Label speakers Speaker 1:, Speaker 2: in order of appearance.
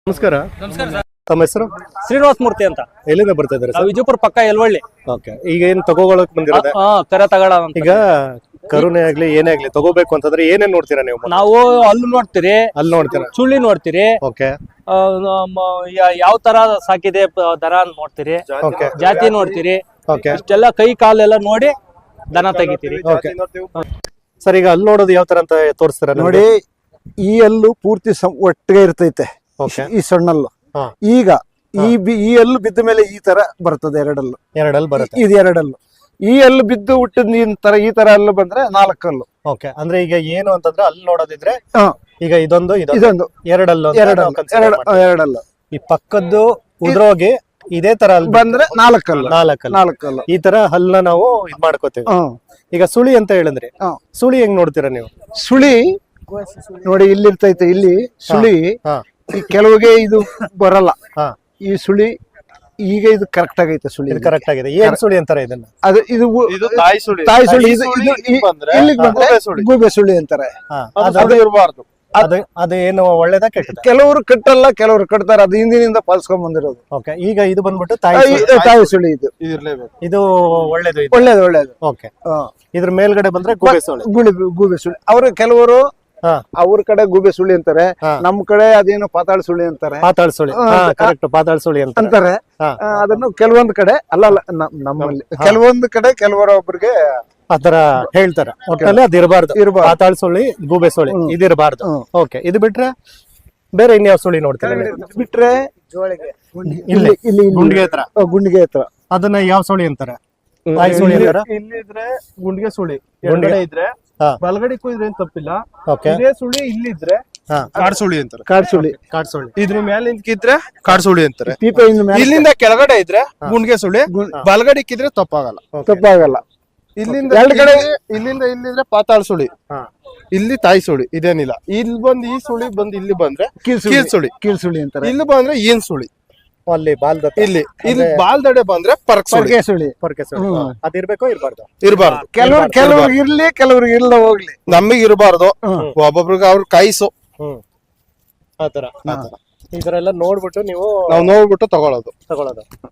Speaker 1: ನಮಸ್ಕಾರ.
Speaker 2: ನಮಸ್ಕಾರ ಸರ್.
Speaker 1: ತಮ್ಮ ಹೆಸರು?
Speaker 2: ಶ್ರೀನಿವಾಸ ಮೂರ್ತಿ ಅಂತ.
Speaker 1: ಎಲ್ಲಿಂದ ಬರ್ತಾ ಇದ್ದಾರೆ
Speaker 2: ನಾವು ವಿಜಯಪುರ ಪಕ್ಕ ಎಲ್ವಳ್ಳಿ.
Speaker 1: ಓಕೆ. ಈಗ ಏನ್ ತಗೋಗೊಳಕ್ ಬಂದಿರೋದೆ?
Speaker 2: ಕರೆ ತಗಡ ಅಂತ.
Speaker 1: ಈಗ ಕರುಣೆ ಆಗ್ಲಿ ಏನೇ ಆಗ್ಲಿ ತಗೋಬೇಕು ಅಂತಂದ್ರೆ ಏನೇನ್ ನೋಡ್ತೀರಾ ನೀವು?
Speaker 2: ನಾವು ಹಲ್ಲು ನೋಡ್ತೀರಿ,
Speaker 1: ಅಲ್ಲಿ ನೋಡ್ತೀರಾ,
Speaker 2: ಸುಳ್ಳಿ ನೋಡ್ತೀರಿ,
Speaker 1: ಓಕೆ,
Speaker 2: ಯಾವ ತರ ಸಾಕಿದೆ ದರ ನೋಡ್ತೀರಿ,
Speaker 1: ಓಕೆ,
Speaker 2: ಜಾತಿ ನೋಡ್ತೀರಿ,
Speaker 1: ಓಕೆ,
Speaker 2: ಇಷ್ಟೆಲ್ಲ ಕೈ ಕಾಲೆಲ್ಲ ನೋಡಿ ದನ ತೆಗಿತೀರಿ.
Speaker 1: ಓಕೆ. ಸರ್, ಈಗ ಅಲ್ಲಿ ನೋಡೋದು ಯಾವ ತರ ಅಂತ ತೋರಿಸ್ತೀರಾ
Speaker 3: ನೋಡಿ? ಈ ಹಲ್ಲು ಪೂರ್ತಿ ಒಟ್ಟಿಗೆ ಇರ್ತೈತೆ,
Speaker 1: ಓಕೆ,
Speaker 3: ಈ ಸಣ್ಣಲ್ಲು.
Speaker 1: ಹಾ.
Speaker 3: ಈಗ ಈ ಹಲ್ಲು ಬಿದ್ದ ಮೇಲೆ ಈ ತರ ಬರ್ತದೆ, ಎರಡಲ್ಲು.
Speaker 1: ಎರಡಲ್ಲಿ ಬರುತ್ತೆ.
Speaker 3: ಇದು ಎರಡಲ್ಲು. ಈ ಹಲ್ಲು ಬಿದ್ದು ಹುಟ್ಟಿದ ಈ ತರ ಹಲ್ಲು ಬಂದ್ರೆ ನಾಲ್ಕಲ್ಲು.
Speaker 1: ಓಕೆ. ಅಂದ್ರೆ ಈಗ ಏನು ಅಂತಂದ್ರೆ ಅಲ್ಲಿ ನೋಡೋದಿದ್ರೆ
Speaker 3: ಹಾ.
Speaker 1: ಈಗ ಇದೊಂದು
Speaker 3: ಇದೊಂದು
Speaker 1: ಎರಡಲ್ಲು
Speaker 3: ಎರಡಲ್ಲು.
Speaker 1: ಈ ಪಕ್ಕದ್ದು ಉದ್ರೋಗಿ ಇದೇ ತರ ಅಲ್ಲಿ
Speaker 3: ಬಂದ್ರೆ ನಾಲ್ಕಲ್ಲು.
Speaker 1: ನಾಲ್ಕಲ್ಲು ಈ ತರ ಹಲ್ಲ ನಾವು ಇದ್ ಮಾಡ್ಕೋತೀವಿ. ಈಗ ಸುಳಿ ಅಂತ ಹೇಳಿದ್ರಿ, ಸುಳಿ ಹೆಂಗ್ ನೋಡ್ತೀರಾ ನೀವು?
Speaker 3: ಸುಳಿ ನೋಡಿ, ಇಲ್ಲಿ ಇರ್ತೈತೆ, ಇಲ್ಲಿ ಸುಳಿ.
Speaker 1: ಹಾ.
Speaker 3: ಈ ಕೆಲವಿಗೆ ಇದು ಬರಲ್ಲ,
Speaker 1: ಹಾ.
Speaker 3: ಈ ಸುಳಿ. ಈಗ ಇದು ಕರೆಕ್ಟ್ ಆಗೈತೆ ಸುಳಿ,
Speaker 1: ಇದು ಕರೆಕ್ಟ್ ಆಗಿದೆ. ಏನ್ ಸುಳಿ ಅಂತಾರೆ ಇದನ್ನ?
Speaker 3: ಅದು ಇದು ತಾಯಿ ಸುಳಿ. ಇಲ್ಲಿಗೆ ಬಂದ್ರೆ ಗೂಬೆ ಸುಳಿ ಅಂತಾರೆ.
Speaker 1: ಇರಬಾರ್ದು. ಅದು ಏನು ಒಳ್ಳೇದ ಕೆಟ್ಟದ?
Speaker 3: ಕೆಲವರು ಕಟ್ಟಲ್ಲ, ಕೆಲವರು ಕಟ್ತಾರೆ. ಅದು ಹಿಂದಿನಿಂದ ಪಾಲಿಸ್ಕೊಂಡ್ ಬಂದಿರೋದು.
Speaker 1: ಓಕೆ. ಈಗ ಇದು ಬಂದ್ಬಿಟ್ಟು ತಾಯಿ
Speaker 3: ಸುಳಿ. ಇದು
Speaker 1: ಇದು ಒಳ್ಳೇದು.
Speaker 3: ಒಳ್ಳೇದು.
Speaker 1: ಓಕೆ. ಇದ್ರ ಮೇಲ್ಗಡೆ ಬಂದ್ರೆ
Speaker 3: ಗೂಬೆ ಸುಳಿ. ಅವರು ಕೆಲವರು ಅವ್ರ ಕಡೆ ಗೂಬೆ ಸುಳಿ ಅಂತಾರೆ, ನಮ್ ಕಡೆ ಅದೇನು ಪಾತಾಳ ಸುಳಿ ಅಂತಾರೆ.
Speaker 1: ಪಾತಾಳ ಸುಳಿ, ಕರೆಕ್ಟ್, ಪಾತಾಳ ಸುಳಿ
Speaker 3: ಅಂತಾರೆ. ಅದನ್ನು ಕೆಲವೊಂದು ಕಡೆ ಅಲ್ಲ, ನಮ್ಮಲ್ಲಿ ಕೆಲವೊಂದು ಕಡೆ ಕೆಲವರೊಬ್ಬರಿಗೆ
Speaker 1: ಆತರ ಹೇಳ್ತಾರೆ. ಒಟ್ಟಲ್ಲಿ ಅದು ಇರಬಾರ್ದು. ಪಾತಾಳ ಸುಳಿ, ಗೂಬೆ ಸುಳಿ ಇದು ಇರಬಾರ್ದು. ಓಕೆ. ಇದು ಬಿಟ್ರೆ ಬೇರೆ ಇನ್ಯಾವ ಸುಳಿ ನೋಡ್ತೀರಾ?
Speaker 3: ಬಿಟ್ರೆ
Speaker 1: ಇಲ್ಲಿ
Speaker 3: ಗುಂಡಿಗೆ ಹತ್ರ
Speaker 1: ಅದನ್ನ ಯಾವ ಸುಳಿ ಅಂತಾರೆ? ತಾಯಿ ಸುಳಿ ಅಂತಾರ?
Speaker 4: ಇಲ್ಲಿದ್ರೆ ಗುಂಡಿಗೆ ಸುಳಿ, ಎಡಗಡೆ ಇದ್ರೆ ಬಲಗಡೆ ಇದ್ರೆ ಏನ್ ತಪ್ಪಿಲ್ಲ. ಇದೇ ಸುಳಿ ಇಲ್ಲಿದ್ರೆ ಕಾಡ್ ಸುಳಿ ಅಂತಾರೆ.
Speaker 1: ಕಾಡ್ ಸುಳಿ.
Speaker 4: ಇದ್ರ ಮೇಲೆ ನಿಂತಿದ್ರೆ ಕಾಡ್ ಸುಳಿ ಅಂತಾರೆ.
Speaker 3: ಇಲ್ಲಿಂದ
Speaker 4: ಕೆಳಗಡೆ ಇದ್ರೆ ಗುಂಡಿಗೆ ಸುಳಿ, ಬಲಗಡೆ ಇಕ್ಕಿದ್ರೆ
Speaker 3: ತಪ್ಪಾಗಲ್ಲ.
Speaker 4: ಇಲ್ಲಿಂದ ಎಡಗಡೆ ಇಲ್ಲಿಂದ ಇಲ್ಲಿದ್ರೆ ಪಾತಾಳ ಸುಳಿ, ಇಲ್ಲಿ ತಾಯಿ ಸುಳಿ. ಇದೇನಿಲ್ಲ. ಇಲ್ಲಿ ಬಂದು ಈ ಸುಳಿ ಬಂದು ಇಲ್ಲಿ ಬಂದ್ರೆ ಕೀಲ್ ಸುಳಿ ಅಂತಾರೆ. ಇಲ್ಲಿ ಬಂದ್ರೆ ಏನ್ ಸುಳಿ,
Speaker 1: ಅಲ್ಲಿ ಬಾಲ್ದ
Speaker 4: ಇಲ್ಲಿ ಬಾಲ್ದಡೆ ಬಂದ್ರೆ
Speaker 3: ಪೊರ್ಕೆ ಸುಳಿ.
Speaker 1: ಅದಿರ್ಬೇಕೋ ಇರ್ಬಾರ್ದು?
Speaker 4: ಇರಬಾರ್ದು.
Speaker 3: ಕೆಲವ್ರಿಗೆ ಇರ್ಲಿ, ಕೆಲವ್ರಿಗೆ ಇಲ್ಲ ಹೋಗ್ಲಿ.
Speaker 4: ನಮಗ್ ಇರಬಾರ್ದು. ಒಬ್ಬೊಬ್ರಿಗೆ ಅವ್ರ ಕಾಯಿಸು
Speaker 1: ಆತರ. ಇದರೆಲ್ಲ ನೋಡ್ಬಿಟ್ಟು ನೀವು
Speaker 4: ನಾವು ನೋಡ್ಬಿಟ್ಟು ತಗೊಳ್ಳೋದು.